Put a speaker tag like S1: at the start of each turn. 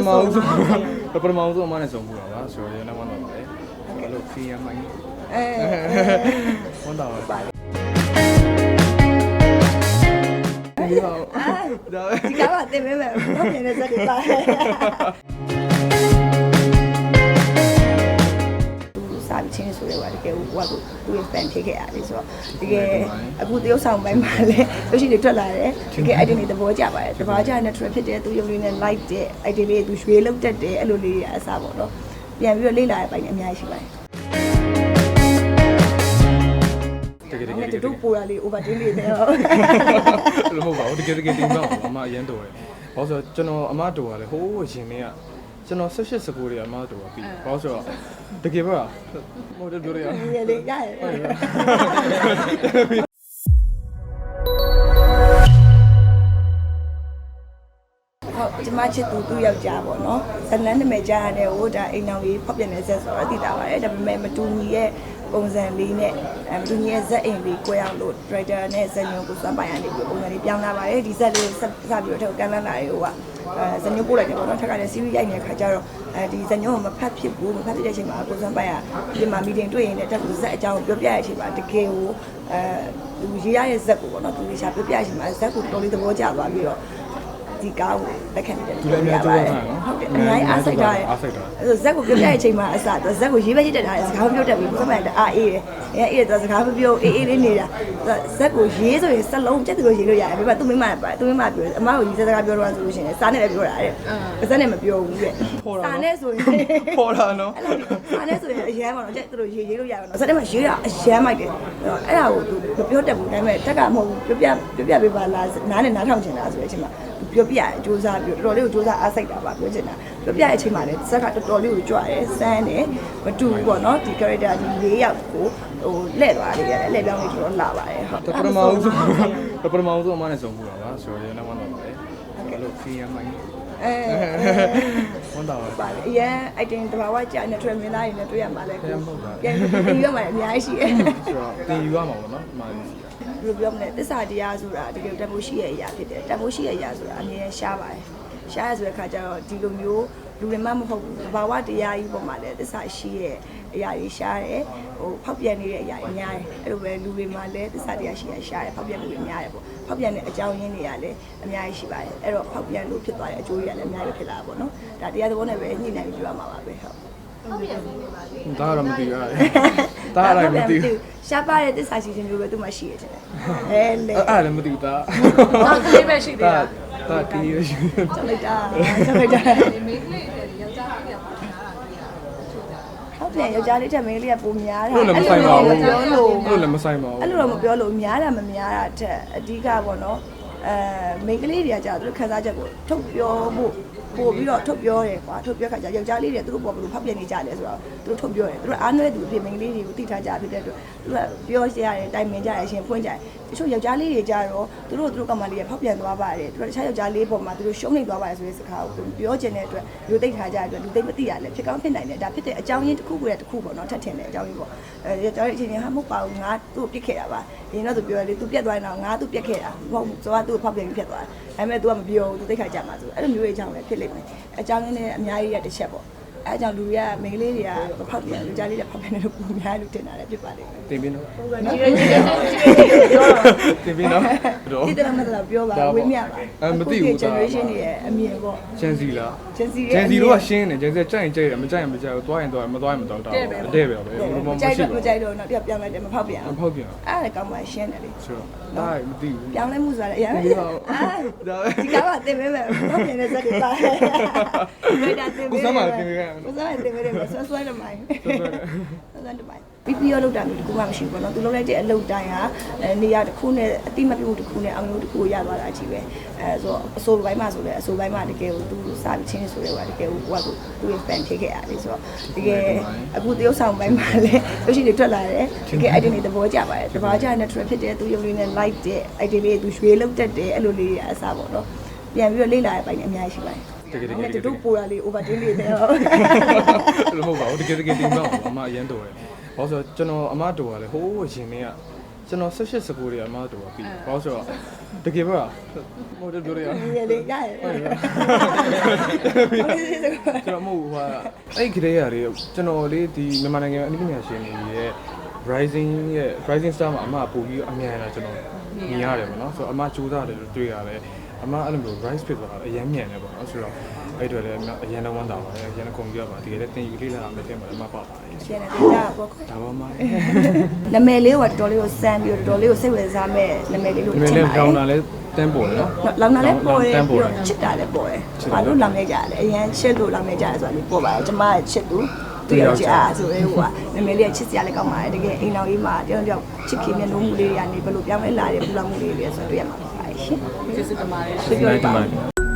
S1: မာဦးဆုံးအမနဲ့ဆုံးမှုတာပါဆိုတော့ရနေမှတော့ပါတယ်အဲ့လိုဖီးရမိုင်းဝန်တော်ပါဒီ
S2: ကားကတင်မဲမဲ့ဘာဖြစ်နေစက်တွေပါစာပြီးချင်းဆိုရပါတကယ်ဟိုကသူ့ရဲ့ fan ဖြစ်ခဲ့ရတယ်ဆိုတော့တကယ်အခုတရုတ်ဆောင်ပိုင်းမှာလည်းရုပ်ရှင်တွေထွက်လာတယ်တကယ် idea တွေသဘောကျပါတယ်သဘောကျတဲ့ natural ဖြစ်တယ်သူရုပ်လေးနဲ့ light တဲ့ idea လေးသူရွှေလောက်တက်တယ်အဲ့လိုလေးအစားပေါ့နော်ပြန်ပြီးတော့လေ့လာရပိုင်းအများကြီးရှိပါတယ်တကယ်တူပူရလေး over တင်းလေးနဲ့ဟုတ်
S1: လို့မဟုတ်ပါဘူးတကယ်တင်တော့အမအရင်တော်တယ်ဘာလို့ဆိုတော့ကျွန်တော်အမတော်ကလည်းဟိုးရင်ထဲကကျွန်တော်18 19တွေအမတော်ပြီဘာလို့ဆိုတော့တကယ်ပါဟိုတပြောရအောင်
S2: ရလေရတယ်ကျမချစ်သူယောက်ျားပေါ့နော်ဇလန်းနာမည်ကြားရတယ်ဟိုဒါအိမ်အောင်ကြီးဖောက်ပြန်နေဆက်ဆိုတော့သိတာပါတယ်ဒါပေမဲ့မတူညီရဲ့ပုံစံလေးနဲ့မတူညီရဲ့ဇက်အိမ်လေးကိုရောက်လို့ director နဲ့ဇက်ညုံကိုစမ်းပိုင်ရနေပြီးပုံစံလေးပြောင်းလာပါတယ်ဒီဇက်လေးစပြီးတော့ကန်လန်းလာရေဟိုကဇက်ညုံပို့လိုက်တယ်ပေါ့နော်ထက်ကလည်း series ရိုက်နေတဲ့ခါကျတော့ဒီဇက်ညုံကမဖတ်ဖြစ်ဘူးမဖတ်ဖြစ်တဲ့အချိန်မှာကိုစမ်းပိုင်ရဒီမှာ meeting တွေ့ရင်လည်းတက်ကိုဇက်အကြောင်းပြောပြရတဲ့အချိန်မှာတကယ်ကိုသူရေးရတဲ့ဇက်ကိုပေါ့နော်သူရေးချပြောပြရတဲ့အချိန်မှာဇက်ကိုတော်လေးသဘောကျသွားပြီးတော့ဒီကားကိုလက်ခံတယ်
S1: သူလည်းအများကြီးဟုတ်တယ်
S2: အများကြီးအားစိတ်ထားတယ်အဲ့ဇက်ကိုပြောပြတဲ့အချိန်မှာအစသူဇက်ကိုရေးပဲရေးတက်တာစကားမပြောတတ်ဘူးဘုရားမအားအေးတယ်အေးတယ်သူစကားမပြောအေးလေးနေတာဇက်ကိုရေးဆိုရင်စက်လုံးကျက်သူလိုရေးလို့ရတယ်ဒါပေမဲ့သူမိမပြောအမကိုရေးစကားပြောတော့ဆိုလို့ရှိရင်စားနဲ့လည်းပြောတာတဲ့ဇက်နဲ့မပြောဘူးတဲ့စားနဲ့ဆိုရင်
S1: ပေါ်တာနော်
S2: စားနဲ့ဆိုရင်အရန်ပါတော့ကျက်သူလိုရေးလို့ရပါတော့ဇက်နဲ့မှရေးတာအရန်မိုက်တယ်အဲ့ဒါကိုသူမပြောတတ်ဘူးဒါပေမဲ့တက်ကမဟုတ်ဘူးပြောပြပေးပါလားနားနဲ့နားထောင်ချင်တာဆိုတဲ့အချိန်မှာပြောပြစူးစမ်းပြီးတော်တော်လေးကိုစူးစမ်းအားစိတ်တာပါပြောချင်တာပြောပြတဲ့အချိန်မှာလည်းဇက်ကတော်တော်လေးကိုကြွရဲစမ်းတယ်မတူဘူးပေါ့နော်ဒီ character ဒီ၄ယောက်ကိုဟိုလဲ့သွားတယ်ရတယ်လဲ့ပြောင်းလေးတော်တော်လာပါတယ်ဟုတ်
S1: ပထမဦးဆုံးအမနဲ့ဆုံးမှုတာပါဆိုတော့ရနေမှတော့ပါတယ်အဲ့လိုဖီးရမိုင်းဝန်တော်
S2: ပါအရင် item တဘာဝကြာ natural မင်းသားတွေနဲ့တွေ့ရမှာလဲပြန်ပြီးရမှာအများကြီးရှိတယ်
S1: ဆိုတော့တင်ယူရမှာပေါ့နော်ဒီမှာ
S2: ဘယ်လိုပြောမလဲသစ္စာတရားဆိုတာတကယ်တန်ဖိုးရှိရဲ့အရာဖြစ်တယ်တန်ဖိုးရှိရဲ့အရာဆိုတာအမြဲရှားပါတယ်ရှားရဆိုတဲ့ခါကျတော့ဒီလိုမျိုးလူတွေမှမဟုတ်ဘူးဘာဝတရားကြီးပေါ်မှာလည်းသစ္စာရှိရဲ့အရာကြီးရှားတယ်ဟိုဖောက်ပြန်နေတဲ့အရာကြီးများတယ်အဲ့လိုပဲလူတွေမှာလည်းသစ္စာတရားရှိရဲ့ရှားတယ်ဖောက်ပြန်မှုတွေများတယ်ပေါ့ဖောက်ပြန်တဲ့အကြောင်းရင်းတွေကလည်းအများကြီးရှိပါတယ်အဲ့တော့ဖောက်ပြန်လို့ဖြစ်သွားတဲ့အကျိုးတွေကလည်းအများကြီးဖြစ်လာတာပေါ့နော်ဒါတရားသဘောနဲ့ပဲညှိနှိုင်းပြီးပြောရမှာပါပဲဟုတ်
S1: ဒါတော့မသိဘူးဒါလည်းမသိဘူး
S2: ရှားပါတဲ့သစ္စာရှိခြင်းမျိုးပဲသူမှရှိရတဲ့
S1: အဲ့လည်းမသိဘူးဒါ
S3: တော့ဒီပဲရှိသေးတာ
S1: ဒါကင်းရရှိ
S2: ချက်လိုက်တာမိန်းကလေးတွေယောက်ျားလေးကပိုများတာဟုတ်တယ်ယောက်ျားလေးတက်မိန်းကလေးကပိုများတာ
S1: အဲ့လိုလည်းမဆိုင်ပါဘူးပြောလို့အဲ့လိုလည်းမဆိုင်ပါဘူး
S2: အဲ့လိုတော့မပြောလို့များတာမများတာတက်အဓိကပေါ့နော်မိန်းကလေးတွေကကြာသူတို့ခန်းစားချက်ကိုထုတ်ပြောဖို့ပို့ပြီးတော့ထုတ်ပြောတယ်ကွာထုတ်ပြောခါကျယောက်ျားလေးတွေသူတို့ပေါ်ဘယ်လိုဖောက်ပြန်နေကြလဲဆိုတော့သူတို့ထုတ်ပြောတယ်သူတို့အားနွဲသူအဖြစ်မိန်းကလေးတွေကိုသိထားကြဖြစ်တဲ့အတွက်သူကပြောရတယ်တိုင်ပင်ကြရရှင်ဖွင့်ကြတယ်တချို့ယောက်ျားလေးတွေကြတော့သူတို့ကမှလေးရဖောက်ပြန်သွားပါတယ်သူတို့တခြားယောက်ျားလေးပေါ်မှာသူတို့ရှုံးနေသွားပါတယ်ဆိုတဲ့စကားကိုပြောချင်တဲ့အတွက်လူသိထားကြတဲ့အတွက်လူသိမသိရလဲဖြစ်ကောင်းဖြစ်နိုင်တယ်ဒါဖြစ်တဲ့အကြောင်းရင်းတစ်ခုကိုတစ်ခုပေါ့နော်ထပ်ထင်တဲ့အကြောင်းရင်းပေါ့ယောက်ျားလေးအချင်းချင်းဟာမဟုတ်ပါဘူးငါသူ့ကိုပြစ်ခဲ့တာပါဒီတော့သူပြောတယ်သူပြက်သွားရင်တော့ငါသူ့ပြက်ခဲ့တာမဟုတ်ဘူးဆိုတော့သူ့ကိုဖောက်ပြန်ပြီးပြက်သွားတယ်ဒါပေမဲ့ तू ကမပြောဘူး तू သိခါကြမှာဆိုအဲ့လိုမျိုးရဲ့အကြောင်းပဲဖြစ်လိမ့်မယ်အကြောင်းရင်းနဲ့အများကြီးရတစ်ချက်ပေါ့အဲအကြောင်းလူတွေကမိန်းကလေးတွေကမဖောက်ပြန်လူကြားလေးတွေဖောက်ပြန်တယ်လို့ပုံများလို့ထင်တာလည်းဖြစ်ပါလိမ့်မယ်
S1: တင်ပြီးနော်
S2: ကြီးရဲပြောတော့
S1: တင်ပြီးနော်
S2: ဒီတရမတော့ပြောပါဝေးမြပါ
S1: မသိဘူး
S2: generation တွေရဲ့အမြင်ပေါ့
S1: Gen Z လား
S2: Gen Z
S1: တို့ကရှင်းတယ် Gen Z ကြိုက်ရင်ကြိုက်တယ်မကြိုက်ရင်မကြိုက်ဘူးသွားရင်သွားမသွားရင်မသွားတော့အတဲ့ပဲပဲ
S2: ဘယ်လိုမှမရှိဘူးမကြိုက်တော့တော့ပြောင်းလိုက်တယ်မဖောက်ပြန်
S1: မဖောက်ပြန်
S2: အဲ့ဒါကောင်းမှရှင်းတယ်လေ
S1: ဆိုတော့ဒါမသိဘူး
S2: ပြောင်းလဲမှုဆိုတာလည်းအရင်ဒီကားကတင်မဲမဲ့ဖောက်ပြန်တဲ့ဇက်တွေပါဒါတင်မဲ
S1: ကိုစမ်းပါတင်မဲ
S2: ကိုစမ်းတင်မဲတယ်ဆွဲတယ်မိုင်းဆွဲတယ်မိုင်းပြီးတော့လောက်တာမျိုးတခုမှမရှိဘူးပေါ့နော်သူလောက်လိုက်တဲ့အလုပ်တိုင်းဟာနေရာတစ်ခုနဲ့အတိမပြုတ်တစ်ခုနဲ့အောင်လို့တစ်ခုကိုရသွားတာကြီးပဲဆိုတော့အစိုးပိုင်းမှာဆိုလဲအစိုးပိုင်းမှာတကယ်ကိုသူစာပြီးချင်းဆိုလဲဟိုတကယ်ကိုသူ့ရဲ့ fan ဖြစ်ခဲ့ရတယ်ဆိုတော့တကယ်အခုတရုတ်ဆောင်ပိုင်းမှာလည်းရုပ်ရှင်တွေထွက်လာတယ်တကယ် idea တွေသဘောကျပါတယ်သဘောကျ natural ဖြစ်တယ်သူရုပ်လေးနဲ့ light တဲ့ idea လေးသူရွှေလောက်တက်တယ်အဲ့လိုလေးအစားပေါ့နော်ပြန်ပြီးတော့လေ့လာရပိုင်းအများကြီးရှိပါတယ်တကယ်တူပူရလေး over တင်းလေးနဲ့ဟုတ်
S1: လို့မဟုတ်ပါဘူးတကယ်တင်တော့အမအရင်တော်တယ်ဘာလို့ဆိုတော့ကျွန်တော်အမတော်ကလည်းဟိုးရင်ထဲကကျွန်တော်18 19တွေအမတို့ကပြီးဘာလို့ဆိုတော့တကယ်ပါဟိုပြောရအောင်
S2: ရေလေးရရဟုတ်တယ်
S1: ကျွန်တော်မဟုတ်ဟာအဲ့ခရေရတွေကျွန်တော်လေးဒီမြန်မာနိုင်ငံအနည်းငယ်ရှင်တွေရဲ့ rising star မှာအမပို့ပြီးအမြန်လာကျွန်တော်မြင်ရတယ်ပေါ့နော်ဆိုတော့အမကြိုးစားတယ်လို့တွေ့ရတယ်အမအဲ့လိုမျိုး rise fit ဆိုတာအရင်မြန်တယ်ပေါ့နော်ဆိုတော့အဲ့တွေလည်းအရင်တော့ဝမ်းသာပါတယ်အရင်ကကွန်ပျူတာပါဒီကလည်းသင်ယူလေးလာမယ်ထင်ပါတယ်အမပါပါတယ်
S2: ရှင်းတယ်ကြာပေါ့
S1: ဒါပါမှ
S2: နာမည်လေးကတော်တော်လေးကိုစမ်းပြီးတော်တော်လေးကိုစိတ်ဝင်စားမဲ့နာမည်လေးလို့
S1: ဒီမဲ့လည်းကြောင်းတာလည်းတန်းပေါ်တယ်နော်
S2: လောင်တာလည်းပေါ်တယ်ပြီးတော့ချစ်တာလည်းပေါ်တယ်ဘာလို့လောင်နေကြလဲအရင်ချစ်လို့လောင်နေကြတယ်ဆိုတာလေးပေါ်ပါတယ်ကျမရဲ့ချစ်သူသူယောက်ျားဆိုရဲဟိုကနာမည်လေးကချစ်စရာလည်းကောင်းပါတယ်တကယ်အိမ်တော်ကြီးမှာတယောက်တယောက်ချစ်ခင်မျက်နှာမူလေးတွေကနေဘယ်လိုပြောင်းလဲလာတယ်ပူလာမှုလေးတွေဆိုတွေ့ရမှာပါရှင်
S3: ကျေးဇူးတင်ပါတယ်
S2: ပြောပါ